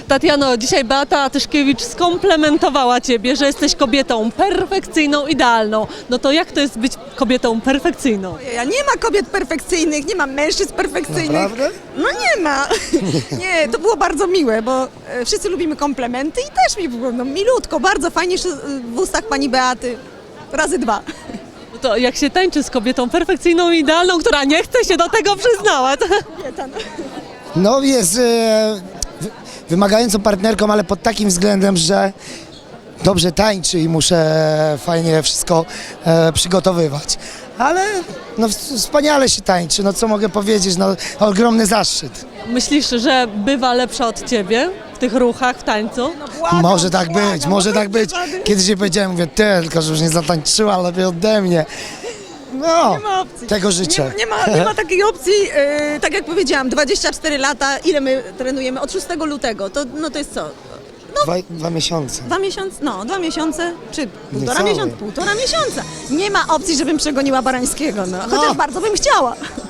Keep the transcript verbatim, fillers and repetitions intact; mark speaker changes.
Speaker 1: Tatiano, dzisiaj Beata Tyszkiewicz skomplementowała Ciebie, że jesteś kobietą perfekcyjną, idealną. No to jak to jest być kobietą perfekcyjną?
Speaker 2: Ja nie ma kobiet perfekcyjnych, nie ma mężczyzn perfekcyjnych.
Speaker 3: Naprawdę?
Speaker 2: No nie ma. Nie, to było bardzo miłe, bo e, wszyscy lubimy komplementy i też mi było no, milutko, bardzo fajnie w ustach pani Beaty. Razy dwa.
Speaker 1: No to jak się tańczy z kobietą perfekcyjną i idealną, która nie chce się do tego przyznawać?
Speaker 2: Kobieta, no.
Speaker 3: No jest e, wy- wymagającą partnerką, ale pod takim względem, że dobrze tańczy i muszę fajnie wszystko e, przygotowywać. Ale no, w- wspaniale się tańczy, no co mogę powiedzieć, no ogromny zaszczyt.
Speaker 1: Myślisz, że bywa lepsza od Ciebie w tych ruchach, w tańcu?
Speaker 2: No błagam,
Speaker 3: Może tak
Speaker 2: błagam,
Speaker 3: być, może tak być.
Speaker 2: żadnych-
Speaker 3: Kiedyś jej powiedziałem, mówię, ty, tylko że już nie zatańczyła lepiej ode mnie. No,
Speaker 2: Nie ma opcji.
Speaker 3: tego życzę.
Speaker 2: Nie, nie, ma, nie ma takiej opcji, e, tak jak powiedziałam, dwadzieścia cztery lata, ile my trenujemy? Od szóstego lutego, to, no to jest co?
Speaker 3: Dwa, dwa miesiące.
Speaker 2: Dwa miesiące, no dwa miesiące, czy półtora
Speaker 3: Niecałe.
Speaker 2: miesiąca, półtora miesiąca. Nie ma opcji, żebym przegoniła Barańskiego, no. Chociaż
Speaker 3: No.
Speaker 2: bardzo bym chciała.